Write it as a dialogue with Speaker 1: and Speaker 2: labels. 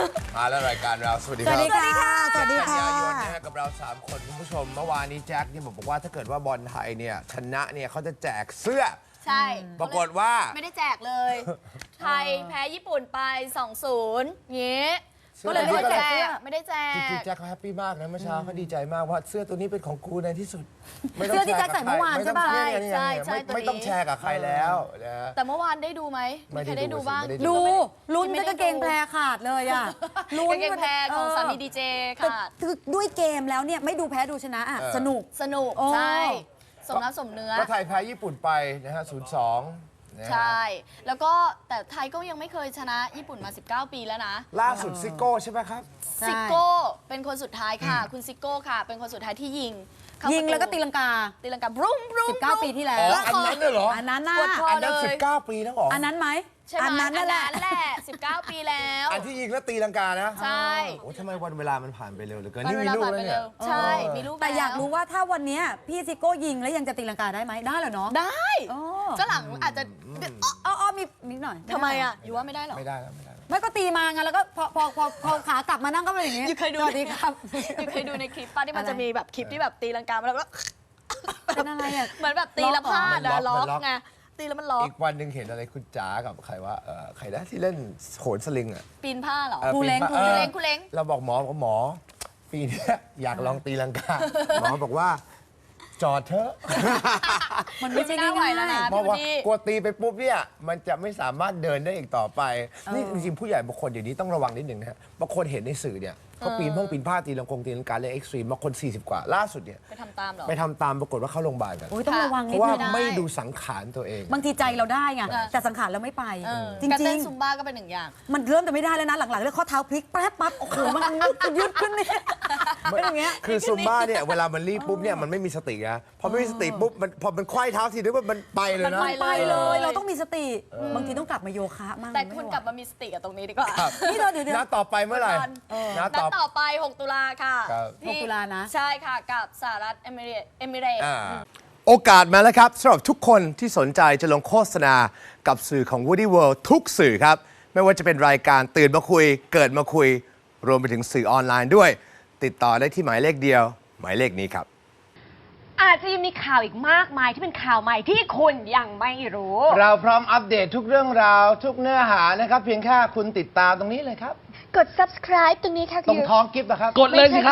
Speaker 1: มาแล้วรายการเราสวัสดีค
Speaker 2: ส
Speaker 1: รับ
Speaker 2: วัสดีค่ะ สวัสดีค่ะ
Speaker 1: กันยายนนะฮะกับเรา 3 คนคุณผู้ชมเมื่อวานนี้แจ็คเนี่ยบอกว่าถ้าเกิดว่าบอลไทยเนี่ยชนะเนี่ยเขาจะแจกเสื้อ
Speaker 3: ใช่
Speaker 1: ปรากฏว่า
Speaker 3: ไม่ได้แจกเลย ไทยแพ้ญี่ปุ่นไป 2-0งี้ ก็เลยไม่ได้แจกไม่ได้แจ
Speaker 1: จริง
Speaker 3: ก
Speaker 1: ๆแจ็คเขาแฮปปี้มากนะเมื่อเช้าเขาดีใจมากว่าเสื้อตัวนี้เป็นของกูในที่สุด
Speaker 2: เสื้อที่แจ็คใส่เมื่อวานใช่ปะ
Speaker 3: ใช่
Speaker 1: ไม่ต้องแชร์กับใครแล้วนะ
Speaker 3: แต่เมื่อวานได้ดูไหมมีใครได้ดูบ้าง
Speaker 2: ดูลุ้นจนกางเกงแพรขาดเลยอ่ะลุ้น
Speaker 3: กางเกงแพรของสามีดีเจ
Speaker 2: แต่
Speaker 3: ค่ะ
Speaker 2: คือด้วยเกมแล้วเนี่ยไม่ดูแพ้ดูชนะอ่ะสนุก
Speaker 3: สนุก
Speaker 2: โอ้
Speaker 3: ใช่สมน้ำสมเนื้อ
Speaker 1: ก็ไทยแพ้ญี่ปุ่นไปนะฮะ 0-2 นะฮะ
Speaker 3: ใช่ แล้วก็แต่ไทยก็ยังไม่เคยชนะญี่ปุ่นมา 19 ปีแล้วนะ
Speaker 1: ล่าสุดซิโก้ใช่ไหมครับ
Speaker 2: ใช่
Speaker 3: ซิโก้เป็นคนสุดท้ายค่ะ คุณซิโก้ค่ะ เป็นคนสุดท้ายที่ยิงเข้า
Speaker 2: ยิงแล้วก็
Speaker 3: ประ
Speaker 2: ตีลังกา
Speaker 3: ตีลังกาบรุ้มบรุ้ม
Speaker 2: 19 ปีที่แล้ว
Speaker 1: อ๋อ อันนั้นน่ะเหรอ
Speaker 2: อันนั้นน่ะ
Speaker 3: ปวดคอ
Speaker 1: อันนั้น
Speaker 3: เลย
Speaker 1: 19 ปีแล้วเหรอ
Speaker 2: อันนั้นไหม
Speaker 3: ใช่ไหม
Speaker 2: อันนั้นนั่นแหละ
Speaker 3: 19 ปีแล้ว
Speaker 1: อันที่ยิงแล้วตีลังกานะ
Speaker 3: ใช่
Speaker 1: โอ้ทำไมวันเวลามันผ่านไปเร็วเหลือเกิน
Speaker 3: วัน
Speaker 1: นี่
Speaker 3: เว
Speaker 1: มี
Speaker 3: ลา
Speaker 1: ลูก
Speaker 3: ผ่าน
Speaker 1: แล้
Speaker 3: ไป
Speaker 1: วเนี่
Speaker 3: เร็
Speaker 1: ยว
Speaker 3: ใช่ มีลูก
Speaker 2: แต่อยาก
Speaker 3: แล้ว
Speaker 2: รู้ว่าถ้าวันเนี้ยพี่ซิโก้ยิงแล้วยังจะตีลังกาได้ไหมได้เหรอเนาะ
Speaker 3: ได้
Speaker 2: อ๋อ
Speaker 3: ก็หลังอาจจะ
Speaker 2: อ๋อมีนิดหน่อย
Speaker 3: ทำไมอ่ะอยู่ว่าไม่ได้หรอ
Speaker 1: ไม่ได้แล้วไม่ได้แล้ว
Speaker 2: ไม่ก็ตีมาไงแล้วก็พอขากลับมานั่งก็เป็นอย่างงี้
Speaker 3: อยู่เคยดู
Speaker 2: สวัสดีครับ
Speaker 3: อยู่เคยดูในคลิปป้าที่มัน
Speaker 2: อะไร
Speaker 3: จะมีแบบคลิปที่แบบตีลังกาแล้วก็
Speaker 2: เป็นอะไรอ่ะ
Speaker 3: เหมือนแบบตีแล้วพลาดอะล็อกไงตีแล้วมันล็อก
Speaker 1: อีกวันหนึ่งเห็นอะไรคุณจ๋ากับใครว่าใครนะที่เล่นโหนสลิงอ่ะ
Speaker 3: ปีนผ้าเหรอ
Speaker 2: ครูเล้ง
Speaker 1: ปีนผ้า
Speaker 3: ครูเล้ง
Speaker 1: เราบอกหมอปีนี้อยากลองตีลังกา หมอบอกว่า จอดเถอะ
Speaker 2: มันไม่ใช่
Speaker 3: ไม่น่าไหว
Speaker 2: ง่าย
Speaker 3: แล้วนะ
Speaker 1: เพราะว่า
Speaker 3: พี่
Speaker 1: กลัวตีไปปุ๊บเนี่ยมันจะไม่สามารถเดินได้อีกต่อไป นี่จริงๆผู้ใหญ่บางคนเดี๋ยวนี้ต้องระวังนิดหนึ่งนะฮะบางคนเห็นในสื่อเนี่ยเขาปีนผ้าตีลังกาเล่นเอ็กซ์ตรีมบางคน 40 กว่าล่าสุดเนี่ย
Speaker 3: ไปทำตามเหรอ
Speaker 1: ไปทำตามปรากฏว่าเข้าโรงพยาบาลกัน
Speaker 2: โอ้ยต้องระวัง
Speaker 1: เพ
Speaker 2: นิด
Speaker 1: ราะว่า
Speaker 2: นึง
Speaker 1: ไม่ดูสังขารตัวเอง
Speaker 2: บางทีใจเราได้ไง
Speaker 3: เออ
Speaker 2: แต่สังขารเราไม่ไป จ
Speaker 3: การ
Speaker 2: ริ
Speaker 3: เต้
Speaker 2: ง
Speaker 3: นซุมบ้าก็เป็นหนึ่งอย่าง
Speaker 2: ๆ มันเริ่มจะไม่ได้แล้วนะหลังๆเรื่องข้อเท้าพลิกแป๊บปั๊บโอ้โหมันยืดขึ้นเนี่ยเป็นอย่างเงี้ย
Speaker 1: คือซุมบ้าเนี่ยเวลามันรีบปุ๊บเนี่ยมันไม่มีสตินะพอไม่มีสติปุ๊บมันพอมันไขว้เท้าทีนึงมันไปเลยนะ
Speaker 3: มัน
Speaker 2: ไปเลยเราต้องมีสติบางทีต้องกลับมาโยคะมั่ง
Speaker 3: แต่คุณกลับมามีสติกับตรงนี้ดีกว่า
Speaker 1: ครับ
Speaker 2: นี่เดี๋ยว
Speaker 1: นัดต่อไปเมื่อไหร่นัด
Speaker 3: นัด
Speaker 1: ต่อ
Speaker 3: ต่อไป 6 ตุลาค่ะ
Speaker 1: ครับ
Speaker 3: ที่
Speaker 2: 6 ตุลานะ
Speaker 3: ใช่ค่ะ กับสหรัฐเอมิเรตส์
Speaker 1: โอกาสมาแล้วครับสำหรับทุกคนที่สนใจจะลงโฆษณากับสื่อของ Woody World ทุกสื่อครับ ไม่ว่าจะเป็นรายการตื่นมาคุย เกิดมาคุย รวมไปถึงสื่อออนไลน์ด้วย ติดต่อได้ที่หมายเลขเดียว หมายเลขนี้ครับ
Speaker 4: อาจจะยังมีข่าวอีกมากมายที่เป็นข่าวใหม่ที่คุณยังไม่รู้
Speaker 1: เราพร้อมอัปเดตทุกเรื่องราว ทุกเนื้อหานะครับ เพียงแค่คุณติดตามตรงนี้เลยครับ
Speaker 4: กด subscribe ตรงนี้ค่ะ
Speaker 1: ตรงท้องกิฟต์นะครับ
Speaker 4: กดเลยสิครับ